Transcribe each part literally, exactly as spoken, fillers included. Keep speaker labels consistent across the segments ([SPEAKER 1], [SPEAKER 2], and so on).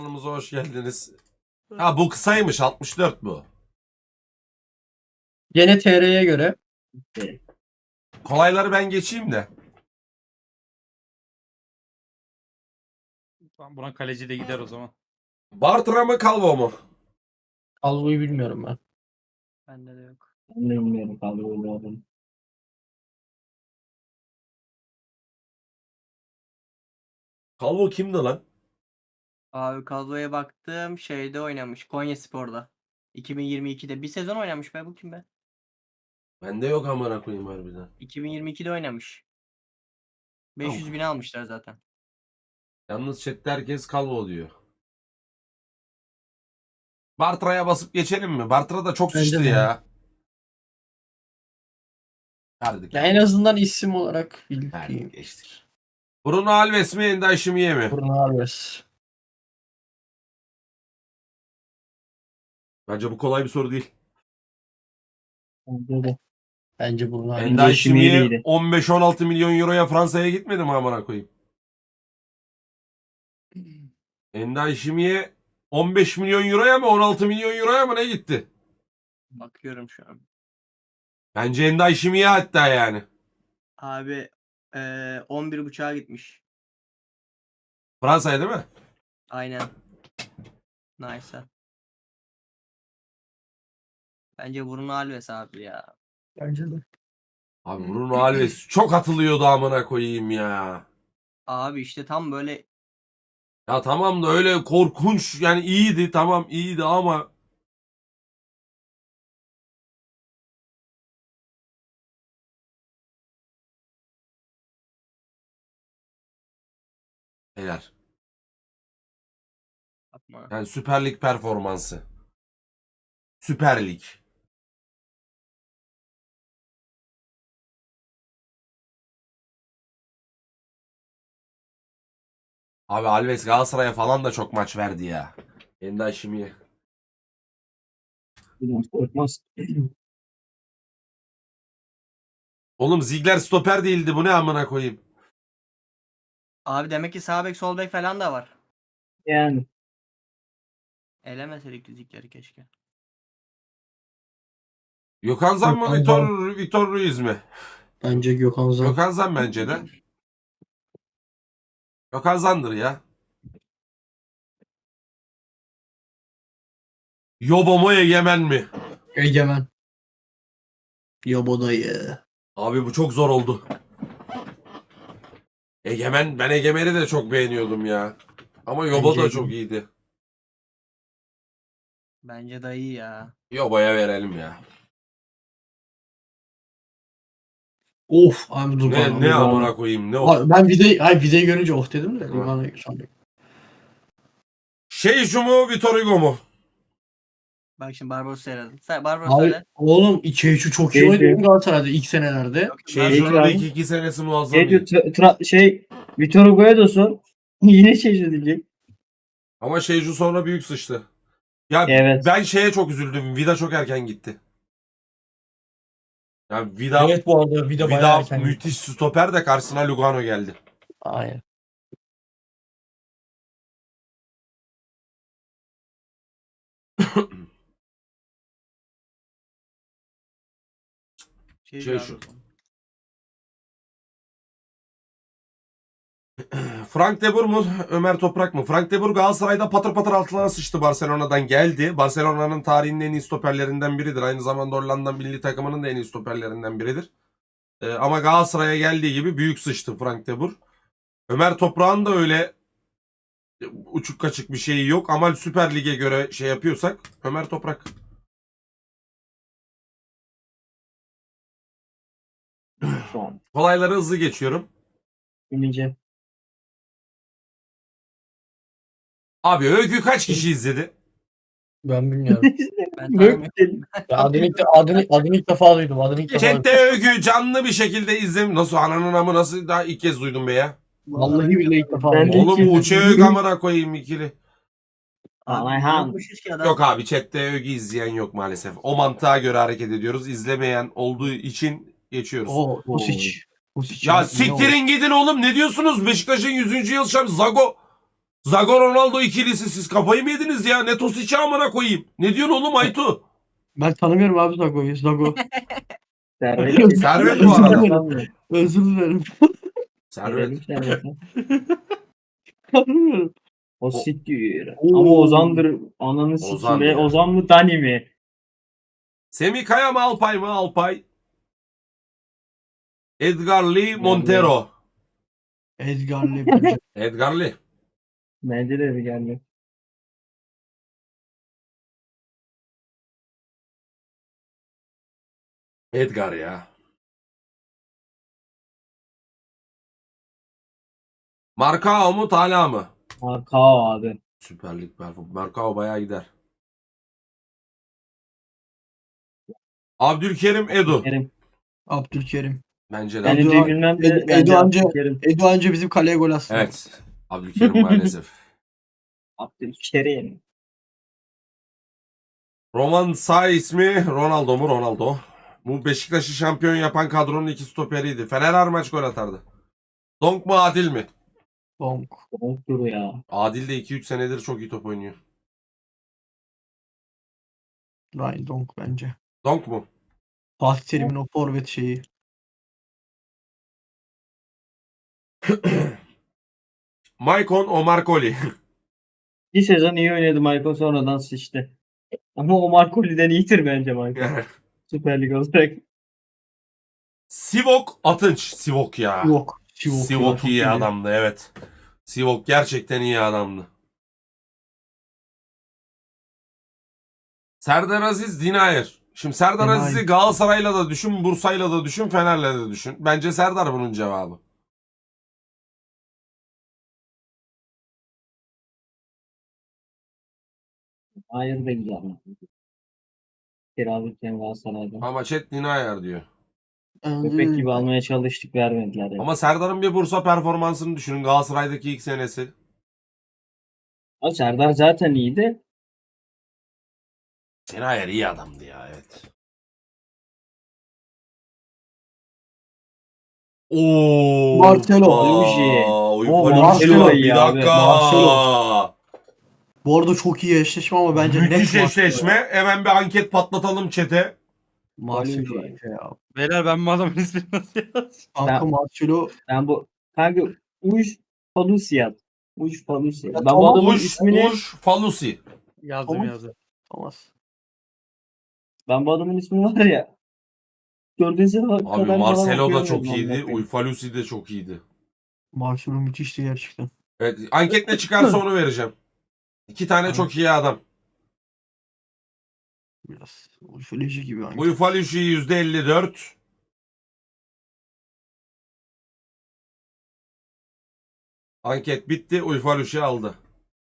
[SPEAKER 1] Kanalımıza hoş geldiniz. Ha bu kısaymış, altmış dört bu.
[SPEAKER 2] Gene T R'ye göre.
[SPEAKER 1] Kolayları ben geçeyim de.
[SPEAKER 3] Tamam, buna kaleci de gider o zaman.
[SPEAKER 1] Bartra mı Calvo mu?
[SPEAKER 2] Alvo'yu bilmiyorum ben.
[SPEAKER 4] Bende de yok.
[SPEAKER 5] Ben de bilmiyorum kadroları.
[SPEAKER 1] Calvo kimdi lan?
[SPEAKER 4] Abi kadroya baktım. Şeyde oynamış. Konyaspor'da. iki bin yirmi ikide. Bir sezon oynamış be. Bu kim be?
[SPEAKER 1] Bende yok amına koyayım harbiden.
[SPEAKER 4] iki bin yirmi ikide oynamış. beş yüz bin almışlar zaten.
[SPEAKER 1] Yalnız chatte herkes Calvo diyor. Bartra'ya basıp geçelim mi? Bartra da çok
[SPEAKER 2] Bence
[SPEAKER 1] sıçtı
[SPEAKER 2] de.
[SPEAKER 1] ya. Verdik.
[SPEAKER 2] Ya en azından isim olarak
[SPEAKER 1] Verdik
[SPEAKER 2] bildiğim.
[SPEAKER 1] geçtik. Bruno Alves mi Enda Şimiye mi?
[SPEAKER 2] Bruno Alves.
[SPEAKER 1] Bence bu kolay bir soru değil.
[SPEAKER 5] Bence de.
[SPEAKER 2] Bence Bruno Alves.
[SPEAKER 1] Enda
[SPEAKER 5] Şimiye
[SPEAKER 1] Şimiye
[SPEAKER 5] iyiydi.
[SPEAKER 1] on beş on altı milyon euroya Fransa'ya gitmedi mi amına koyayım? Enda Şimiye on beş milyon euroya mı on altı milyon euroya mı ne gitti?
[SPEAKER 4] Bakıyorum şu an.
[SPEAKER 1] Bence Enda Şimiye hatta yani.
[SPEAKER 4] Abi eee on bir buçuğa gitmiş.
[SPEAKER 1] Fransa'ya değil mi?
[SPEAKER 4] Aynen. Nice. Bence Bruno Alves abi ya.
[SPEAKER 2] Bence de.
[SPEAKER 1] Abi Bruno Alves çok atılıyordu amına koyayım ya.
[SPEAKER 4] Abi işte tam böyle
[SPEAKER 1] Ya tamam da öyle korkunç yani iyiydi tamam iyiydi ama helal.
[SPEAKER 4] yapma.
[SPEAKER 1] Yani Süper Lig performansı. Süper Lig. Abi Alves Galatasaray'a falan da çok maç verdi ya. Enda Şimiye.
[SPEAKER 5] Biraz korkmaz.
[SPEAKER 1] Oğlum Ziegler stoper değildi bu ne amına koyayım.
[SPEAKER 4] Abi demek ki sağ bek sol bek falan da var.
[SPEAKER 5] Yani.
[SPEAKER 4] Elemeseydik dizikleri keşke.
[SPEAKER 1] Gökhan Zan mı
[SPEAKER 2] Gökhan
[SPEAKER 1] Vitor, Vitor Ruiz mi?
[SPEAKER 2] Bence Gökhan Zan.
[SPEAKER 1] Gökhan Zan bence de. Gökhan Zan'dır ya. Yobo mu Egemen mi?
[SPEAKER 2] Egemen. Yobodayı.
[SPEAKER 1] Abi bu çok zor oldu. Egemen, ben Egemen'i de çok beğeniyordum ya. Ama Yobo
[SPEAKER 2] Bence
[SPEAKER 1] da
[SPEAKER 2] Egemen.
[SPEAKER 1] çok iyiydi.
[SPEAKER 4] Bence dayı ya.
[SPEAKER 1] Yobo'ya verelim ya.
[SPEAKER 2] Of abi dur bana.
[SPEAKER 1] Ne, ne amına koyayım ne o?
[SPEAKER 2] Abi ben videoyu, ay videoyu görünce oh dedim de.
[SPEAKER 1] Hı.
[SPEAKER 2] Lugano sandım.
[SPEAKER 1] Şey şu mu Vitor Hugo mu?
[SPEAKER 4] Bak şimdi Barbaros söyledim. Sen Barbaros
[SPEAKER 2] Abi
[SPEAKER 4] söyle.
[SPEAKER 2] oğlum İçeriçi çok iyi
[SPEAKER 5] Şey-
[SPEAKER 2] oynadı Galatasaray'da ilk senelerde.
[SPEAKER 4] Yok,
[SPEAKER 1] Şey
[SPEAKER 4] ben-
[SPEAKER 5] Şey-
[SPEAKER 1] şunun
[SPEAKER 5] abi.
[SPEAKER 1] iki, iki senesi muazzam
[SPEAKER 5] Şey, diyor,
[SPEAKER 1] iyi.
[SPEAKER 5] tra- tra- şey Vitor Hugo'ya da sor. Yine şey diyecek.
[SPEAKER 1] Ama Şeycu sonra büyük sıçtı. Ya
[SPEAKER 5] Evet.
[SPEAKER 1] ben şeye çok üzüldüm. Vida çok erken gitti. Yani Vida,
[SPEAKER 2] Evet bu arada Vida bayağı
[SPEAKER 1] Vida
[SPEAKER 2] erken.
[SPEAKER 1] müthiş stoper de karşısına Lugano geldi.
[SPEAKER 2] Aynen.
[SPEAKER 4] Şey,
[SPEAKER 1] Şey
[SPEAKER 4] abi.
[SPEAKER 1] şu. Frank de Boer mu Ömer Toprak mı? Frank de Boer Galatasaray'da patır patır altına sıçtı, Barcelona'dan geldi. Barcelona'nın tarihinin en iyi stoperlerinden biridir. Aynı zamanda Hollanda milli takımının da en iyi stoperlerinden biridir. Ee, ama Galatasaray'a geldiği gibi büyük sıçtı Frank de Boer. Ömer Toprak'ın da öyle uçuk kaçık bir şeyi yok ama Süper Lig'e göre şey yapıyorsak Ömer Toprak.
[SPEAKER 5] Şu an.
[SPEAKER 1] Kolayları hızlı geçiyorum.
[SPEAKER 5] Bilmeyeceğim.
[SPEAKER 1] Abi Öykü kaç kişi izledi?
[SPEAKER 2] Ben bilmiyorum.
[SPEAKER 4] Ben tanımıyorum.
[SPEAKER 2] Ya adını, ilk, adını, adını ilk defa duydum. Adını ilk defa duydum.
[SPEAKER 1] Chatte Öykü canlı bir şekilde izledim. Nasıl ananın amı nasıl daha ilk kez duydum be ya.
[SPEAKER 2] Vallahi billahi ilk defa
[SPEAKER 5] Ben de
[SPEAKER 2] duydum.
[SPEAKER 5] ilk
[SPEAKER 1] Oğlum bu
[SPEAKER 5] kez
[SPEAKER 1] uçağı
[SPEAKER 5] duydum.
[SPEAKER 1] Öykü amına koyayım ikili.
[SPEAKER 4] Abi
[SPEAKER 5] Ayhan.
[SPEAKER 4] yokmuş ki adam.
[SPEAKER 1] Yok abi chatte Öykü izleyen yok maalesef. O mantığa göre hareket ediyoruz. İzlemeyen olduğu için geçiyoruz.
[SPEAKER 2] O Husic. Husic.
[SPEAKER 1] Ya
[SPEAKER 2] ne o?
[SPEAKER 1] siktirin gidin oğlum, ne diyorsunuz? Beşiktaş'ın yüzüncü yıl şampiyonu Zago. Zago Ronaldo ikilisi siz kafayı mı yediniz ya? Ne Tosic'i amına koyayım. Ne diyorsun oğlum Aytu?
[SPEAKER 2] Ben tanımıyorum abi Zago'yu. Zago.
[SPEAKER 5] Servet.
[SPEAKER 1] Servet bu arada.
[SPEAKER 2] Özür dilerim.
[SPEAKER 1] Servet.
[SPEAKER 5] Servet.
[SPEAKER 2] Tanımıyorum.
[SPEAKER 5] O siktir.
[SPEAKER 2] Oo.
[SPEAKER 5] Ama Ozan'dır. Ananı
[SPEAKER 1] Ozan
[SPEAKER 5] sikeyim.
[SPEAKER 1] ya.
[SPEAKER 5] Ozan, Ozan mı Dani mi?
[SPEAKER 1] Semih Kaya mı Alpay mı? Alpay. Edgar Lee Montero.
[SPEAKER 2] Edgar Lee bence.
[SPEAKER 1] Edgar Lee.
[SPEAKER 5] Bence de bir geldi.
[SPEAKER 1] Edgar ya. Markao mu Tala mı?
[SPEAKER 5] Markao abi.
[SPEAKER 1] Süper Lig performans. Markao bayağı gider. Abdülkerim Edu.
[SPEAKER 5] Kerim.
[SPEAKER 2] Abdülkerim.
[SPEAKER 1] Bence de.
[SPEAKER 5] Ben
[SPEAKER 2] Edu-
[SPEAKER 5] Edu'yu bilmem de
[SPEAKER 2] Edu-
[SPEAKER 5] bence
[SPEAKER 2] Edu anca-
[SPEAKER 5] Abdülkerim.
[SPEAKER 2] Edu anca bizim kaleye gol atsın.
[SPEAKER 1] Evet. Abdülkerim maalesef.
[SPEAKER 5] Abdülkerim.
[SPEAKER 1] Roman sağ ismi Ronaldo mu? Ronaldo. Bu Beşiktaş'ı şampiyon yapan kadronun iki stoperiydi. Fener her maç gol atardı. Donk mu Adil mi?
[SPEAKER 2] Donk.
[SPEAKER 5] Donk ya.
[SPEAKER 1] Adil de iki üç senedir çok iyi top oynuyor.
[SPEAKER 2] Ryan Donk bence.
[SPEAKER 1] Donk mu?
[SPEAKER 2] Fatih Terim'in o forvet şeyi.
[SPEAKER 1] Maicon Omar Koli.
[SPEAKER 5] Bir sezon iyi oynadı Michael, sonradan sıçtı. Ama o Marcoli'den iyidir bence Michael. Süper Lig olarak.
[SPEAKER 1] Sivok Atınç. Sivok ya.
[SPEAKER 2] Yok. Sivok, ya,
[SPEAKER 1] Sivok
[SPEAKER 2] çok
[SPEAKER 1] iyi
[SPEAKER 2] iyi.
[SPEAKER 1] adamdı evet. Sivok gerçekten iyi adamdı. Serdar Aziz Dinayer. Şimdi Serdar
[SPEAKER 2] Dinayer.
[SPEAKER 1] Aziz'i Galatasaray'la da düşün, Bursa'yla da düşün, Fener'le de düşün. Bence Serdar bunun cevabı.
[SPEAKER 5] Hayır da güzel. Kiralıkken Galatasaray'da.
[SPEAKER 1] Ama chat Dinayer diyor.
[SPEAKER 2] Bence
[SPEAKER 5] Köpek
[SPEAKER 2] de-
[SPEAKER 5] gibi almaya çalıştık, vermediler. Yani.
[SPEAKER 1] Ama Serdar'ın bir Bursa performansını düşünün. Galatasaray'daki ilk senesi.
[SPEAKER 5] Ama Serdar zaten iyiydi.
[SPEAKER 1] Dinayer iyi adamdı ya evet. Oo.
[SPEAKER 2] Marcelo.
[SPEAKER 5] Luigi.
[SPEAKER 1] Oy,
[SPEAKER 5] O
[SPEAKER 2] Marcelo
[SPEAKER 1] bir
[SPEAKER 5] iyi abi.
[SPEAKER 1] dakika.
[SPEAKER 2] Marcelo. Bu arada çok iyi eşleşme ama bence net
[SPEAKER 1] Müthiş
[SPEAKER 2] Marcelo.
[SPEAKER 1] eşleşme. Hemen bir anket patlatalım chat'e.
[SPEAKER 2] Marcelo
[SPEAKER 5] Luigi.
[SPEAKER 2] bence ya.
[SPEAKER 3] Beyler ben bu adamın ismini nasıl yazacağım?
[SPEAKER 2] Kanka
[SPEAKER 5] Ben-
[SPEAKER 2] Marcelo
[SPEAKER 5] Ben bu kanka Uj Palusiyat. Uj Palusiyat.
[SPEAKER 2] Ya
[SPEAKER 5] Ben
[SPEAKER 2] tamam,
[SPEAKER 5] bu adamın
[SPEAKER 1] Uş,
[SPEAKER 5] ismini
[SPEAKER 1] Uş, Falusi.
[SPEAKER 3] Yazdım
[SPEAKER 2] Tamam.
[SPEAKER 3] yazdım.
[SPEAKER 2] Thomas.
[SPEAKER 5] ben bu adamın ismini var ya. Dördüncü kadar
[SPEAKER 1] Abi
[SPEAKER 5] falan
[SPEAKER 1] Marcelo da
[SPEAKER 5] okuyamıyorum
[SPEAKER 1] çok
[SPEAKER 5] amına
[SPEAKER 1] iyiydi.
[SPEAKER 5] koyayım.
[SPEAKER 1] Uyfalusi de çok iyiydi.
[SPEAKER 2] Marcelo müthişti gerçekten.
[SPEAKER 1] Evet, anket ne çıkarsa onu vereceğim. İki tane
[SPEAKER 2] Tamam.
[SPEAKER 1] çok iyi adam.
[SPEAKER 2] Biraz ufoloji gibi. hangi-
[SPEAKER 1] Uyfalusi yüzde elli dört. Anket bitti. Uyfalusi aldı.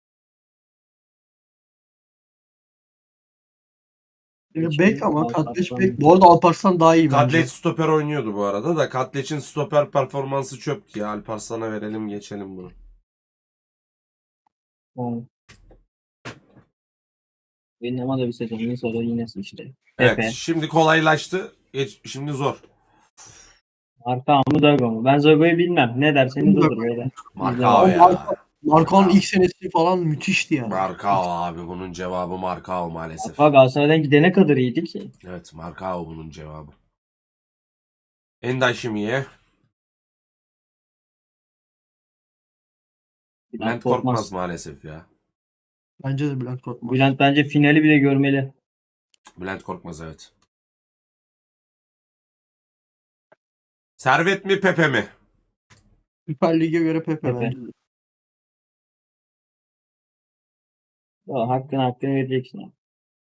[SPEAKER 2] Ya Bek ama
[SPEAKER 5] Alparslan.
[SPEAKER 2] Katleç Bek. Bu arada Alparslan daha iyi bence.
[SPEAKER 1] Katleç stoper oynuyordu bu arada da. Katleç'in stoper performansı çöptü ya. Alparslan'a verelim geçelim bunu.
[SPEAKER 5] Tamam. Benim ama da bir sezonun sonra yine sıçtı.
[SPEAKER 1] Evet
[SPEAKER 5] Pepe.
[SPEAKER 1] şimdi kolaylaştı. Geç, şimdi zor.
[SPEAKER 5] Marka mı Zago mu? Ben Zago'yu bilmem. Ne derseniz
[SPEAKER 2] Zago.
[SPEAKER 5] olur böyle.
[SPEAKER 1] Markao
[SPEAKER 2] Ama
[SPEAKER 1] ya.
[SPEAKER 2] Marka- Marko'nun ilk senesi falan müthişti yani.
[SPEAKER 1] Markao abi bunun cevabı Markao maalesef.
[SPEAKER 5] Bak Galatasaray'dan gidene kadar iyiydi ki.
[SPEAKER 1] Evet Markao bunun cevabı. Enday Şimiye. Bülent Korkmaz maalesef ya.
[SPEAKER 2] Bence de Bülent Korkmaz.
[SPEAKER 5] Bülent bence finali bile görmeli.
[SPEAKER 1] Bülent Korkmaz evet. Servet mi Pepe mi?
[SPEAKER 2] Süper Lig'e göre Pepe,
[SPEAKER 5] Pepe.
[SPEAKER 2] bence de.
[SPEAKER 5] O, hakkını hakkını vereceksin. abi.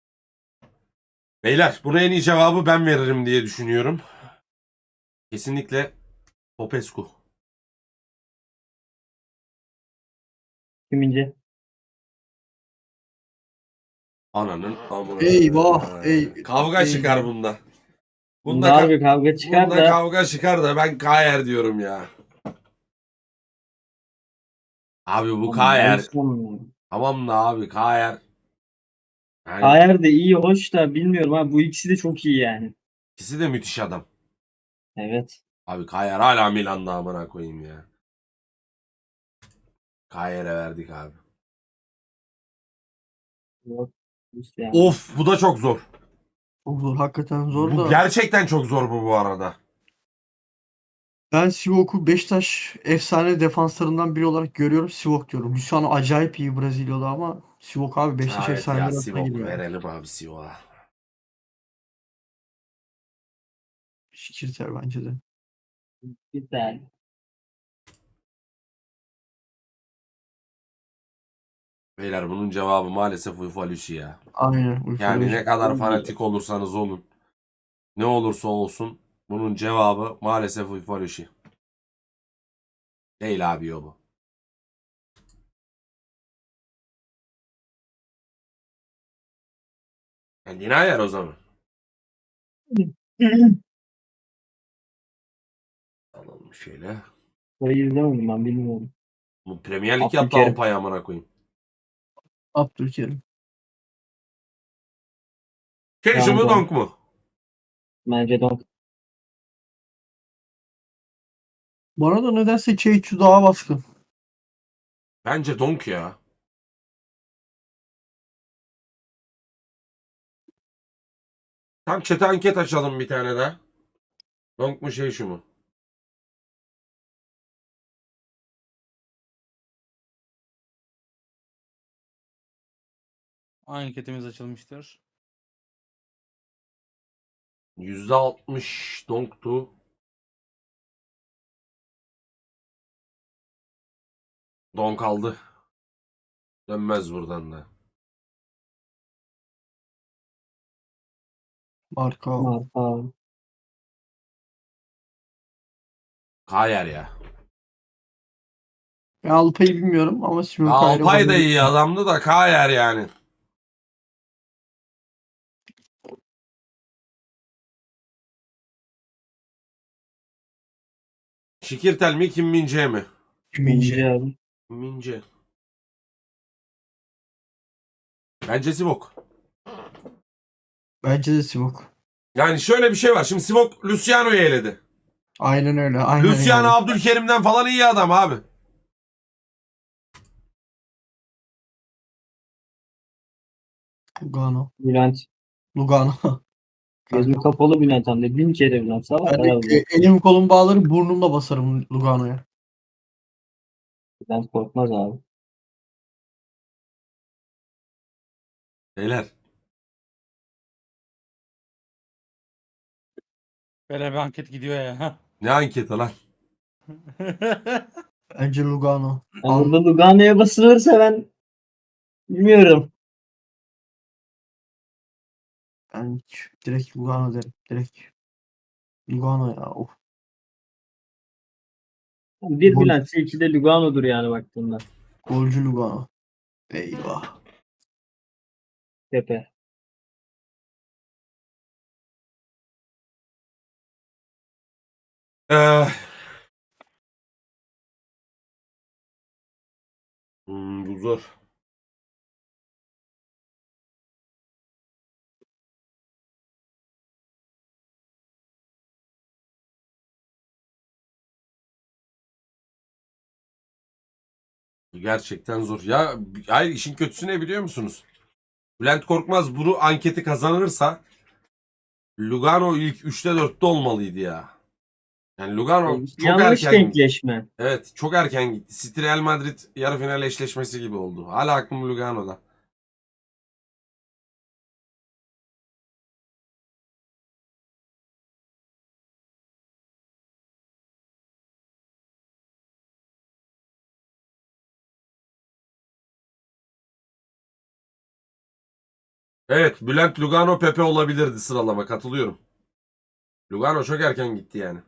[SPEAKER 1] Beyler buna en iyi cevabı ben veririm diye düşünüyorum. Kesinlikle Popescu.
[SPEAKER 5] Kimince?
[SPEAKER 1] Ananın amına.
[SPEAKER 2] Eyvah, ey-
[SPEAKER 1] Kavga
[SPEAKER 2] eyvah.
[SPEAKER 1] çıkar bunda. Bunda,
[SPEAKER 5] Bunda
[SPEAKER 1] ka-
[SPEAKER 5] harbi kavga çıkar
[SPEAKER 1] bunda
[SPEAKER 5] da.
[SPEAKER 1] kavga çıkar da ben Kayer diyorum ya. Abi bu Kayer. Tamam da abi Kayer. Yani
[SPEAKER 5] Kayer de iyi, hoş da bilmiyorum abi. Bu ikisi de çok iyi yani.
[SPEAKER 1] ikisi de müthiş adam.
[SPEAKER 5] Evet.
[SPEAKER 1] Abi Kayer hala Milan'da amına koyayım ya. Kayer'e verdik abi.
[SPEAKER 5] Yok. Yani.
[SPEAKER 1] Of bu da çok zor.
[SPEAKER 6] Çok zor. Hakikaten zor
[SPEAKER 1] Bu
[SPEAKER 6] da.
[SPEAKER 1] gerçekten çok zor bu bu arada.
[SPEAKER 6] Ben Sivok'u Beşiktaş efsane defanslarından biri olarak görüyorum. Sivok diyorum. Luciano acayip iyi Brezilyalı ama Sivok abi Beşiktaş
[SPEAKER 1] Evet ya
[SPEAKER 6] efsaneleri arasına
[SPEAKER 1] Sivok
[SPEAKER 6] giriyor.
[SPEAKER 1] verelim abi Sivok'a.
[SPEAKER 6] Şikirter bence de.
[SPEAKER 5] Güzel.
[SPEAKER 1] Beyler bunun cevabı maalesef Ufalüşi ya.
[SPEAKER 6] Aynen. Uyku
[SPEAKER 1] Yani
[SPEAKER 6] Beşiktaş.
[SPEAKER 1] ne kadar fanatik olursanız olun. Ne olursa olsun bunun cevabı maalesef Ufalüşi. Değil abi o bu. Kendine ayar o zaman. Alalım şöyle.
[SPEAKER 5] Burayı izlemedim ben bilmiyorum.
[SPEAKER 1] Bu Premier Lig yaptı
[SPEAKER 5] Abdülkerim.
[SPEAKER 1] Alpay amına koyayım.
[SPEAKER 6] Abdülkerim.
[SPEAKER 1] Şey şu mu
[SPEAKER 5] Yandı.
[SPEAKER 1] donk mu?
[SPEAKER 5] Bence Donk.
[SPEAKER 6] Bana da nedense Çeyçu daha baskın.
[SPEAKER 1] Bence donk ya. Tam chat'e anket açalım bir tane daha. Donk mu şey şu mu?
[SPEAKER 3] Anketimiz açılmıştır.
[SPEAKER 1] yüzde altmış donktu. Donk aldı. Dönmez buradan da.
[SPEAKER 6] Marka.
[SPEAKER 5] Marka.
[SPEAKER 1] Kayer ya.
[SPEAKER 6] Ben Alpay'ı bilmiyorum ama Simon Kayer'i
[SPEAKER 1] Alpay da iyi
[SPEAKER 6] bayılıyorum.
[SPEAKER 1] adamdı da Kayer yani. Şikirtel mi Kim Mince mi?
[SPEAKER 6] Mince.
[SPEAKER 5] abi.
[SPEAKER 1] Mince. Bence Sivok.
[SPEAKER 6] Bence de Sivok.
[SPEAKER 1] Yani şöyle bir şey var. Şimdi Sivok Luciano'yu eledi.
[SPEAKER 6] Aynen öyle. Aynen
[SPEAKER 1] Luciano
[SPEAKER 6] yani.
[SPEAKER 1] Abdülkerim'den falan iyi adam abi.
[SPEAKER 6] Lugano.
[SPEAKER 5] Bülent.
[SPEAKER 6] Lugano.
[SPEAKER 5] Gözüm kapalı Bülent hem de. Bin kere Bülent. Sabah
[SPEAKER 6] Ben de
[SPEAKER 5] herhalde.
[SPEAKER 6] e- elim kolum bağlarım burnumla basarım Lugano'ya.
[SPEAKER 5] Bülent korkmaz abi.
[SPEAKER 1] Beyler.
[SPEAKER 3] Böyle bir anket gidiyor ya.
[SPEAKER 1] Ne anketi lan?
[SPEAKER 6] Bence Lugano.
[SPEAKER 5] Yani burada Lugano'ya basılırsa ben bilmiyorum.
[SPEAKER 6] Ben direkt Lugano derim. Direkt. Lugano ya. Of.
[SPEAKER 5] Bir
[SPEAKER 6] Gol-
[SPEAKER 5] Bülent, iki de Lugano'dur yani baktığında.
[SPEAKER 6] Golcü Lugano. Eyvah.
[SPEAKER 5] Pepe.
[SPEAKER 1] Ee, hmm, bu zor. Gerçekten zor. Ya hayır işin kötüsü ne biliyor musunuz? Bülent Korkmaz bunu anketi kazanırsa Lugano ilk üçte dörtte olmalıydı ya. Yani Lugano çok
[SPEAKER 5] Yanlış
[SPEAKER 1] erken
[SPEAKER 5] denkleşme.
[SPEAKER 1] Evet çok erken gitti. City Real Madrid yarı final eşleşmesi gibi oldu. Hala aklım Lugano'da. Evet Bülent Lugano Pepe olabilirdi sıralama katılıyorum. Lugano çok erken gitti yani.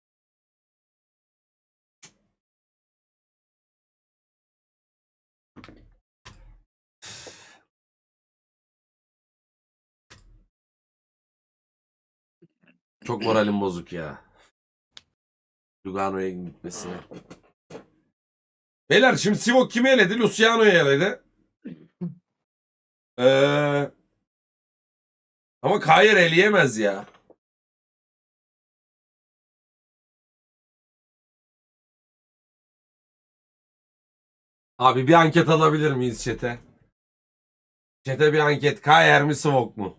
[SPEAKER 1] Çok moralim bozuk ya. Lugano'ya gitmesine. Beyler şimdi Sivok kimi eledi? Luciano'yu eledi. Ee, ama Kayer eleyemez ya. Abi bir anket alabilir miyiz chat'e? Chat'e bir anket. Kayer mi Sivok mu?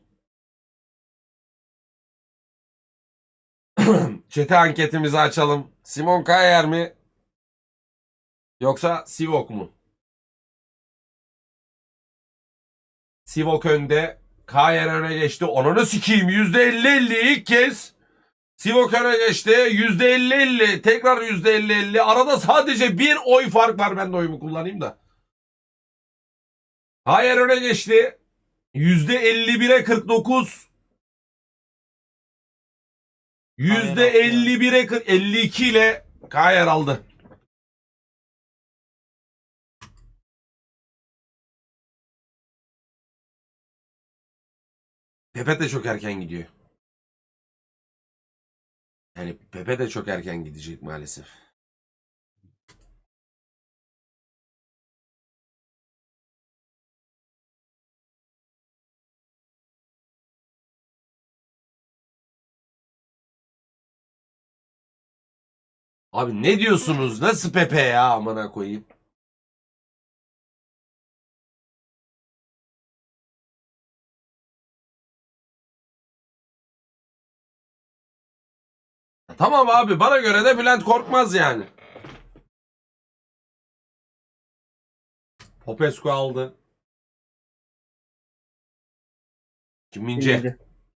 [SPEAKER 1] Chat'e anketimizi açalım. Simon Kayer mi? Yoksa Sivok mu? Sivok önde. Kayer öne geçti. Onunu sikeyim. yüzde elli elli ilk kez. Sivok öne geçti. yüzde elli elli. Tekrar yüzde elli elli. Arada sadece bir oy fark var. Ben de oyumu kullanayım da. Kayer öne geçti. yüzde elli bire kırk dokuz. yüzde elli bire kırk, elli iki ile Kayer aldı. Pepe de çok erken gidiyor. Yani Pepe de çok erken gidecek maalesef. Abi ne diyorsunuz? Nasıl Pepe ya amına koyayım? Tamam abi bana göre de Bülent Korkmaz yani. Popescu aldı. Kim Mince?
[SPEAKER 5] Mince.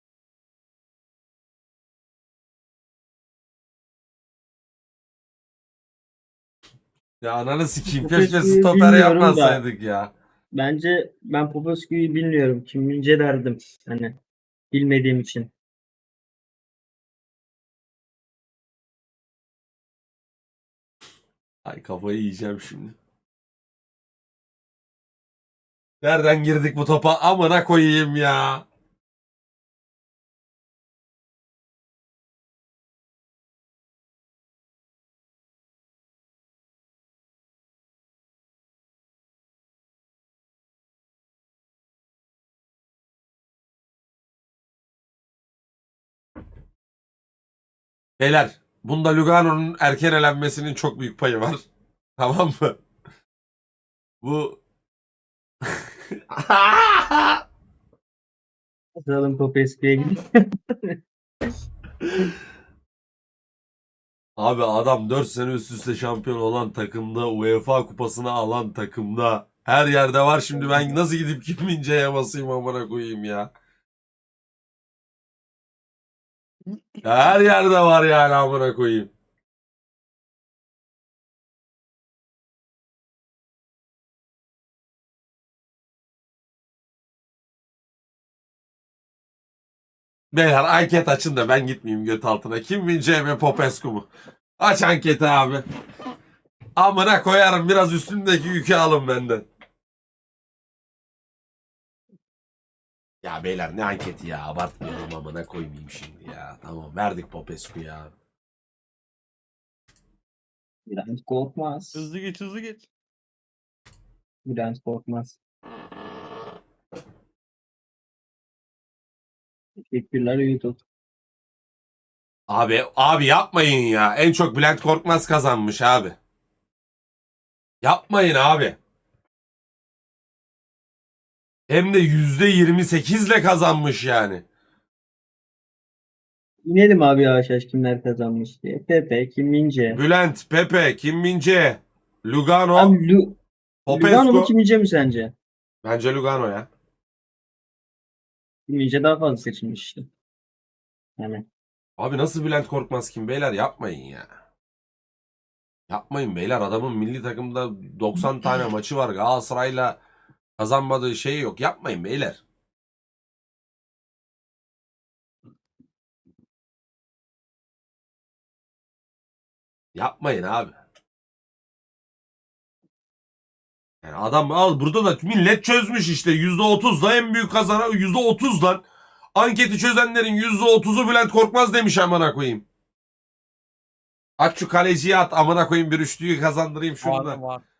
[SPEAKER 1] Ya ananı sikeyim.
[SPEAKER 5] Popescu'yu
[SPEAKER 1] Keşke stoper
[SPEAKER 5] bilmiyorum da.
[SPEAKER 1] yapmasaydık ya.
[SPEAKER 5] Bence ben Popescu'yu bilmiyorum. Kim Mince derdim. Hani bilmediğim için.
[SPEAKER 1] Ay kafayı yiyeceğim şimdi. Nereden girdik bu topa? Amına koyayım ya. Beyler, bunda Lugano'nun erken elenmesinin çok büyük payı var. Tamam mı? Bu
[SPEAKER 5] Atalım Popescu'ya gidelim.
[SPEAKER 1] Abi adam dört sene üst üste şampiyon olan takımda, UEFA kupasını alan takımda her yerde var. Şimdi ben nasıl gidip Kim Min-jae'ye basayım amına koyayım ya. Ya her yerde var yani amına koyayım. Beyler anket açın da ben gitmeyeyim göt altına. Kim Min-jae mi Popescu mu? Aç anketi abi. Amına koyarım biraz üstündeki yükü alın benden. Ya beyler ne anketi ya abartmayalım amına koymayayım şimdi ya. Tamam verdik Popescu ya.
[SPEAKER 5] Bülent Korkmaz.
[SPEAKER 3] Hızlı geç hızlı geç.
[SPEAKER 5] Bülent Korkmaz. Teşekkürler YouTube.
[SPEAKER 1] Abi abi yapmayın ya. En çok Bülent Korkmaz kazanmış abi. Yapmayın abi. Hem de yüzde yirmi sekizle kazanmış yani.
[SPEAKER 5] İnelim abi yavaş yavaş kimler kazanmış diye. Pepe, Kim Mince.
[SPEAKER 1] Bülent, Pepe, Kim Min-jae, Lugano,
[SPEAKER 5] Abi Lu Lugano mu
[SPEAKER 1] Popescu.
[SPEAKER 5] Kim Mince mi sence?
[SPEAKER 1] Bence Lugano ya.
[SPEAKER 5] Kim Mince daha fazla seçilmiş işte. Yani
[SPEAKER 1] Abi nasıl Bülent Korkmaz kim beyler yapmayın ya. Yapmayın beyler adamın milli takımda doksan tane maçı var. Galatasaray'la kazanmadığı şey yok. Yapmayın beyler. Yapmayın abi. Yani adam al burada da millet çözmüş işte yüzde otuzla en büyük kazanan yüzde otuzdan anketi çözenlerin yüzde otuzu Bülent Korkmaz demiş amına koyayım. Aç şu kaleciyi at amına koyayım bir üçlüyü kazandırayım şunu da.
[SPEAKER 3] Var var.